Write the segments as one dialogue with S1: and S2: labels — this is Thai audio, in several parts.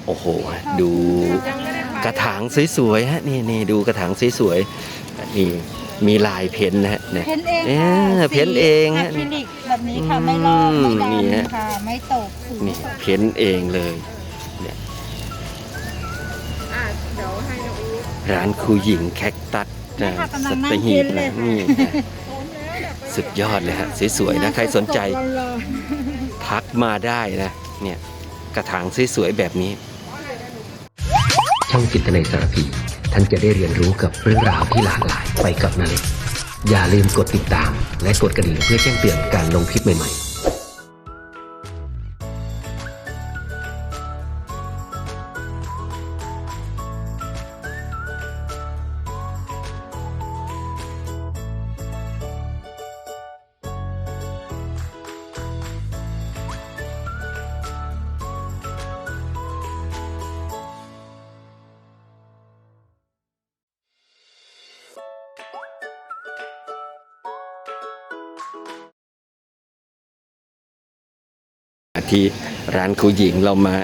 S1: โอ้โหดูกระถางสวยๆฮะนี่ดูกระถางสวยๆนี่มีลายเพ้นนะฮะเนี่ย
S2: เพ้นเองค่ะ
S1: เพ้นเองฮะ
S2: อะคริลิกแบบนี้ค่ะไม่ลอกไม่
S1: นี่ฮะ
S2: ดำค่ะไม่ตกสี
S1: นี่เพ้นเองเลยเนี่ย
S3: เดี๋ยวให้น้องอู๋
S1: ร้านครูหญิงแคคตัสนะสัตหีบนะนี่นะสุดยอดเลยฮะสวยๆนะใครสนใจทักมาได้นะเนี่ยกระถางสวยๆแบบนี้
S4: ช่องจิตนาสารพีท่านจะได้เรียนรู้กับเรื่องราวที่หลากหลายไปกับนาเล็กอย่าลืมกดติดตามและกดกระดิ่งเพื่อแจ้งเตือนการลงคลิปใหม่ๆ
S1: ที่ร้านครูหญิงเรามา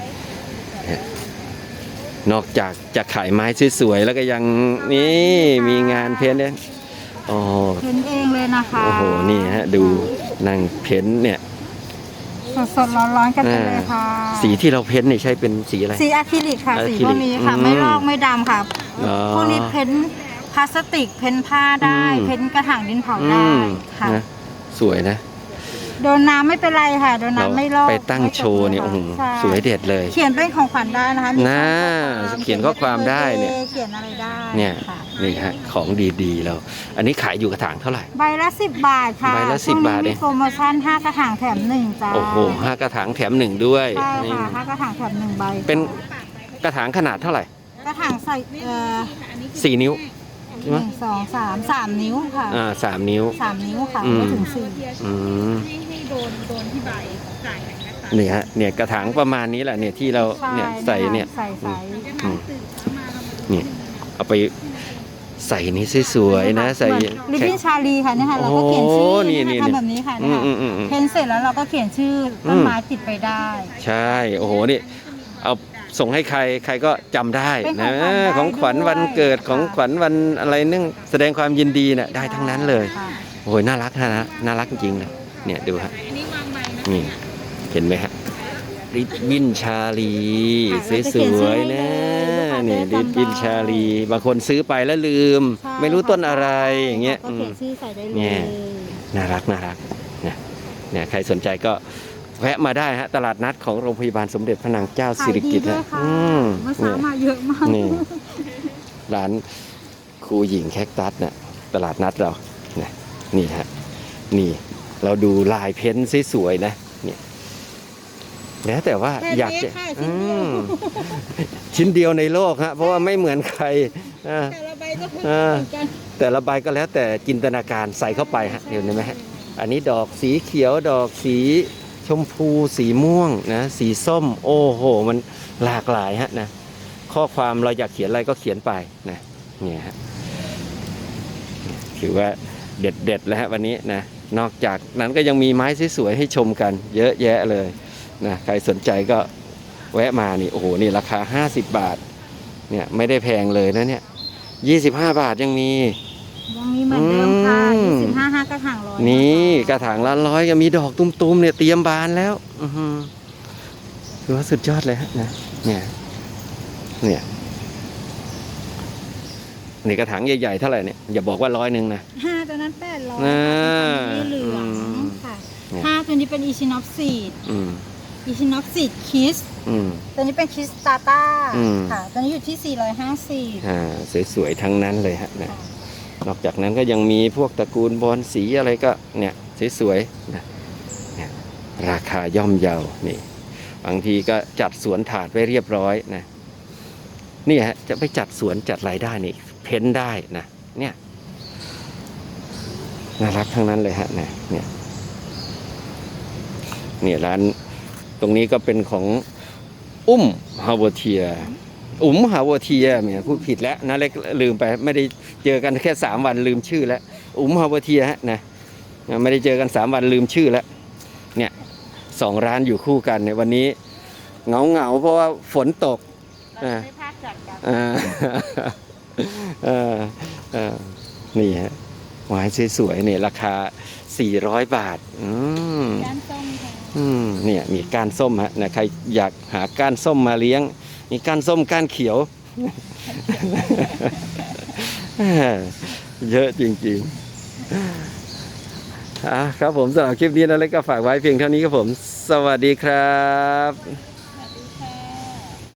S1: นอกจากจะขายไม้สวยๆแล้วก็ยังนี่มีงานเพ้นท์เนี่ยโอ้
S2: เพ้นเองเลยนะคะ
S1: โอ้โหนี่ฮะดูนั่งเพ้นท์เนี่ย
S2: สดๆร้อนๆกันไปเลยค่ะ
S1: สีที่เราเพ้นท์นี่ใช้เป็นสีอะไร
S2: สีอะคริลิกค่ะ
S1: อะ
S2: สี
S1: คริลิก
S2: พวกนี้ค่ะ
S1: อืม
S2: ไม่ลอกไม่ดำค่ะ
S1: อ๋อ
S2: พวกนี้เพ้นพลาสติกเพ้นผ้าได้
S1: อืม
S2: เพ้นกระถางดินเผาได้ค่ะ
S1: นะสวยนะ
S2: โดนน้ำไม่เป็นไรค่ะโดน
S1: เรา
S2: น้ำไม่ลอก
S1: ไปตั้งโชว์เนี่ยโอ้โห
S2: ใช่
S1: สวยเด็ดเลย
S2: เขียนเป็นของขวัญได้นะคะมี
S1: น่า
S2: ข้อความ
S1: เขียนข้อความได้เนี่ย
S2: เขียนอะไรได้
S1: เนี่ย
S2: ค่ะ
S1: นี่ฮะของดีๆเราอันนี้ขายอยู่กระถางเท่าไหร่
S2: ใบละ10 บาทค่ะ
S1: ใบละ
S2: ช่วง
S1: 10 บาทเอ
S2: นี้
S1: ง
S2: มีโปรโมชั่น5 กระถางแถม1จ้า
S1: โอ้โห5 กระถางแถม 1ด้วย
S2: ใช่
S1: นี่
S2: ค่ะ5 กระถางแถม1 ใบ
S1: เป็นกระถางขนาดเท่าไหร่
S2: กระถางใส่
S1: 4 นิ้วใช่ไหม
S2: 3 นิ้วค่ะ
S1: 3 นิ้ว
S2: 3 นิ้วค่ะ
S1: อืม
S2: ไม่ถึง4
S1: อืม
S3: ให้โดนที่ใบจ่ายนะคะ
S1: นี่ฮะเนี่ยกระถางประมาณนี้แหละเนี่ยที่เราเนี่ยใส่เนี่ย
S2: ใส่
S1: อืมนี่เอาไปใส่นี่สวยๆนะใส่
S2: ลิปปิ้นชาลีค่ะเนี่ยค่ะเราก็เขียนชื่อ
S1: โอ้นี่
S2: เย
S1: นี่
S2: ทำแบบนี้ค่ะเนี่ย
S1: อืม
S2: เพ้นเสร็จแล้วเราก็เขียนชื่อต้นไม้ติดไปได้
S1: ใช่โอ้โหนี่เอาส่งให้ใครใครก็จำได้
S2: เป็น
S1: นะ
S2: ข
S1: ข
S2: อ
S1: อง ง
S2: ข
S1: ข
S2: วั
S1: วั
S2: ญ
S1: ญ
S2: ได้
S1: วันเกิด
S2: ด้วย
S1: ของขวัญวันอะไรนึ่งแสดงความยินดีน่ะได้ทั้งนั้นเลย
S2: ค่ะ
S1: โอ้ยน่ารักนะน่ารักจริงๆเลยเนี่ยดูฮะ
S3: อันนี้วางใบนะ
S1: นี่เห็นไหมฮะริบบิ้นชาลีสวยๆนะนี่ริบบิ้นชาลีบางคนซื้อไปแล้วลืม ไม่รู้ต้นอะไรอย่างเงี้ย
S2: ก็เขียนชื่อใส่ได้เล
S1: เนี่ย
S2: ย
S1: น่ารักเนี่ยใครสนใจก็แวะมาได้ฮะตลาดนัดของโรงพยาบาลสมเด็จพระนางเจ้าสิริกิติ์
S2: ขายดีด้ว
S1: นะ
S2: ยค่ะเมื่อเช้ามาเยอะมาก
S1: นี่ร้านครูหญิงแคคตัสเนี่ยตลาดนัดเราเนี่ยนี่ฮะนี่เราดูลายเพ้นท์สวยๆนะเนี่ยแล้วแต่ว่าอยากจะชิ้นเดียวในโลกฮะเพราะว่าไม่เหมือนใครอ่า
S3: แต่ละใบก็คือ
S1: อ่า
S3: เหมือนกัน
S1: แต่ละใบก็แล้วแต่จินตนาการใส่เข้าไปฮะเห็นไหมฮะอันนี้ดอกสีเขียวดอกสีชมพูสีม่วงนะสีส้มโอ้โหมันหลากหลายฮะนะข้อความเราอยากเขียนอะไรก็เขียนไปนะเนี่ยฮะถือว่าเด็ดๆแล้วฮะวันนี้นะนอกจากนั้นก็ยังมีไม้สวยๆให้ชมกันเยอะแยะเลยนะใครสนใจก็แวะมานี่โอ้โหนี่ราคา50 บาทเนี่ยไม่ได้แพงเลยนะเนี่ย25 บาทยังมี
S2: ยังมีเหมือนเดิมค่ะ
S1: อืม
S2: 25 กระถางร้อย
S1: นี่กระถางละ100ก็มีดอกตุ้มๆเนี่ยเตรียมบานแล้วอื้อหือถือว่าสุดยอดเลยฮะนะเนี่ยนี่กระถางใหญ่ๆเท่าไหร่เนี่ยอย่าบอกว่า100นะ
S2: 5ตัวนั้น800
S1: อ่า
S2: มีเหลือง
S1: อืม
S2: ค่ะ
S1: เนี่ย
S2: 5ตัวนี้เป็นอีชินอฟซีด
S1: อืม
S2: อีชินอฟซีดคิส
S1: อืม
S2: ตัวนี้เป็นคิสตาต้า
S1: อืม
S2: ค่ะ ตัวนี้อยู่ที่ 450
S1: สวยๆทั้งนั้นเลยฮะนะนอกจากนั้นก็ยังมีพวกตระกูลบอนสีอะไรก็เนี่ยสวยๆนะเนี่ยราคาย่อมเยานี่บางทีก็จัดสวนถาดไว้เรียบร้อยนะนี่ฮะจะไปจัดสวนจัดรายได้นี่เพ้นได้นะเนี่ยน่ารักทั้งนั้นเลยฮะนะเนี่ยร้านตรงนี้ก็เป็นของฮาวเทียฮาวเทียเนี่ยพูดผิดแล้วนะเล็กลืมไปไม่ได้เจอกันแค่3 วันลืมชื่อแล้วฮาวเทียฮะนะไม่ได้เจอกัน3 วันลืมชื่อแล้วเนี่ย2 ร้านอยู่คู่กันในวันนี้เหงาเพราะว่าฝนตก
S3: เราจะไม่พลาดจากกัน
S1: อ่าเออเออนี่ฮะหวายสวยๆเนี่ยราคา400 บาท
S2: ก้านส้มค่ะ
S1: เนี่ยมีก้านส้มฮะนะใครอยากหาก้านส้มมาเลี้ยงมีก้านส้มก้านเขียว เยอะจริงๆครับผมสำหรับคลิปนี้นะเล็กก็ฝากไว้เพียงเท่านี้ครับผม สวัสดีครับ